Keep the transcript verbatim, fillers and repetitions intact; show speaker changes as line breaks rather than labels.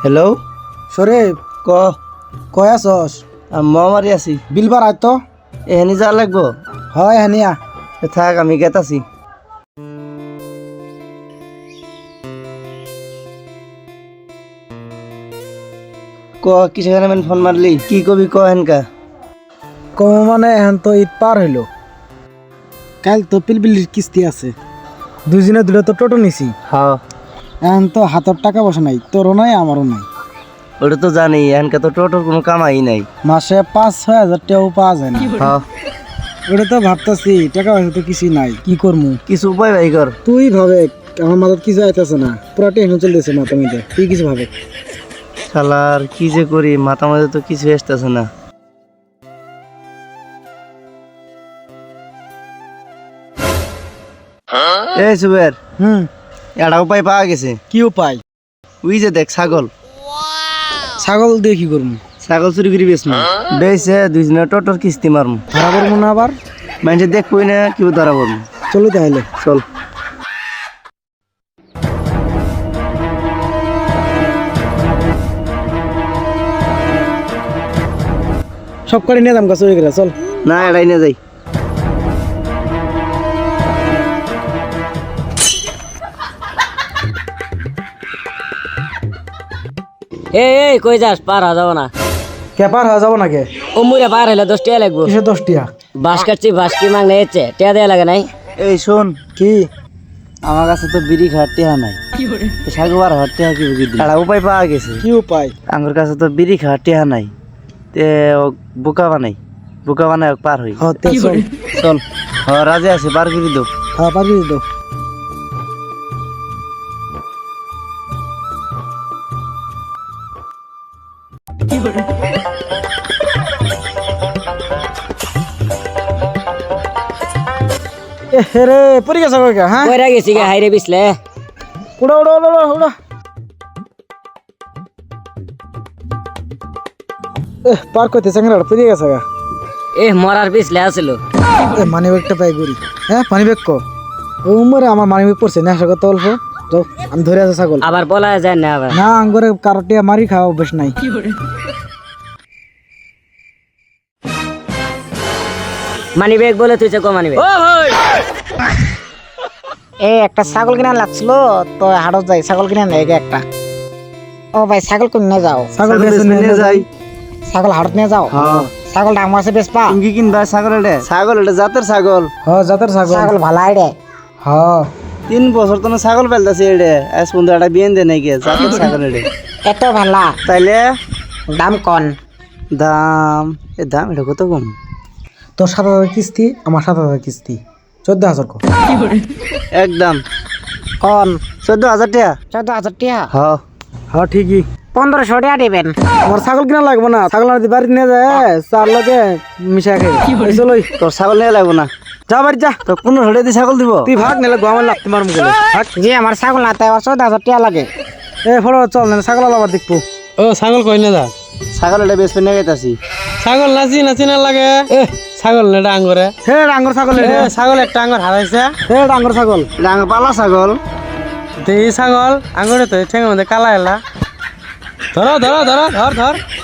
Hello'
শরীফ
ক
কয় আছস?
মই মাৰি আছি
বিলবার আয় তো।
এহেনি যা লাগব
হয় হানিয়া।
থাক আমি গেত আছি ক কিসের কারণে ফোন মারলি কি কবি ক হেনকা
কম মানে এখন তো ঈদ পার হইল, কাল তো পিলপিলির কিস্তি আছে, দুদিনে দুটো তো টোটো নিছি।
হ্যাঁ
এখন তো হাতের টাকা পয়সা নাই, তোরও নাই আমারও নাই।
ওটা তো জানি এখানকার তো টোটোর কোনো কামাই নাই।
মাসে পাঁচ ছয় হাজার টাকাও পাওয়া যায় না।
হ্যাঁ
ওটা তো ভাবতাছি টাকা পয়সা তো কিছুই নাই, কি করবো?
কিছু উপায় ভাই কর।
তুই ভাবে, আমার মাথার কিছু আইতেছে না, পুরো টেনশন চলতেছে মাথা মধ্যে। তুই কিছু ভাবে।
শালার কি যে করি, মাথা মাঝে তো কিছু আসতেছে না। এই সুবের,
হুম,
একটা উপায় পাওয়া গেছে।
কি উপায়?
ওই যে দেখ ছাগল,
ছাগল দিয়ে কি করবো?
ছাগল চুরি করি বেশ না বেশে দুই দিনের টোটোর কিস্তি মারম।
ধরা পড়বো না আবার?
মানুষের দেখবই না কেউ ধরা পড়বো।
চলো তাহলে
চল।
সব করে নিয়ে দাম গাছ চুরি করে। চল
না এটাই না যাই।
এই এই কই যাস? পার হওয়া যাবো না।
কে পার হয়ে যাবো নাকি?
ও মুড়ে পার হইলে দশ টাকা লাগবো।
কিসে দশ টিয়া?
বাস কাটছি, বাস কি মাংনে এসছে, টাকা দেওয়া লাগে নাই?
এই শোন,
কি
আমার কাছে তো বিড়ি খাওয়ার টেহা নাই, সাগু আর হওয়ার টেহা কি বুঝি একটা উপায় পাওয়া গেছে।
কি উপায়?
আমার কাছে তো বিড়ি খাওয়ার টেহা নাই, তে ও বোকা বানাই, বোকা বানাই ওক পার হই।
হতে চল।
চল। হ রাজে আছে, পার করে দো।
হ্যাঁ পারবি তো। রে পরি গেছে কইকা? হ্যাঁ
কইরা গেছি গে হাইরে বিছলে।
উড়া উড়া উড়া উড়া উড়া। এ পার কইতে চাংরা পরি গেছে গা।
এ মরার বিছলে আছিল।
এ মানি ব্যাগটা পাই গরি। হ্যাঁ পানি ব্যাগ কো। ও মরে আমার মানি ব্যাগ পড়ছে না, সাগর তো অল্প। যাও আমি ধরে আছে ছাগল।
আবার বলা যায় না আবার।
না আঙ্গরে কারটিয়া মারি খাওয়া অভ্যাস নাই।
মানি ব্যাগ বলে তুই কো মানি ব্যাগ। ও ভাই
এই একটা ছাগল কিনা লাগছিল তো হাটত যাই, ছাগল কিনা নেই একটা। ও ভাই ছাগল কিনে যাও,
ছাগল বেছে নিয়ে যাই।
ছাগল হাটত নিয়ে যাও।
হ্যাঁ
ছাগল দাম আছে বেশ পা।
তুমি কি কিনবা ছাগল? এটা ছাগল, এটা জাতের ছাগল।
হ্যাঁ জাতের ছাগল।
ছাগল ভালাই রে।
হ্যাঁ
তিন বছর তো ছাগল পেলতেছে এটা, আজ পর্যন্ত একটা বিয়েন দে নাই গে জাতের ছাগল এটা।
এত ভালা,
তাইলে
দাম কন।
দাম, এ দাম এটা কত কম?
তোর সাত হাজার কিস্তি, আমার সাত হাজার কিস্তি, চোদ্দ হাজার কো।
একদম
কন
চোদ্দ হাজার টাকা।
চোদ্দ হাজার টিয়া।
হ্যাঁ
হ্যাঁ ঠিকই।
পনেরোশো টাকা দিবেন।
আমার ছাগল কিনা লাগবো না, ছাগল আনতে বাড়ি নিয়ে যায় চার লোকে মিশা খাই। চলো
তোর ছাগল নিয়ে লাগবো না,
যা বাড়ি যা।
তো পনেরো হলে দিয়ে ছাগল দিব।
তুই ভাগ নিলে আমার লাগতে মারম গেলে ভাগ।
জি আমার ছাগল না, তাই আমার চোদ্দ হাজার টাকা লাগে।
এ ফলো চল না, ছাগল আলাবার দেখবো।
ও ছাগল কই না যা?
ছাগল এটা বেশ নিয়ে গেতাছি।
ছাগল নাচি নাচি না লাগে। এ ছাগল নেটা আঙ্গরে।
হে ডাঙ্গর ছাগল,
এ ছাগল একটা আঙ্গর হারাইছে।
হে ডাঙ্গর ছাগল।
ডাঙ পালা ছাগল।
দেহি ছাগল আঙ্গরে তো ঠেঙের মধ্যে কালা এলা। ধরো ধরো ধরো ধর ধর।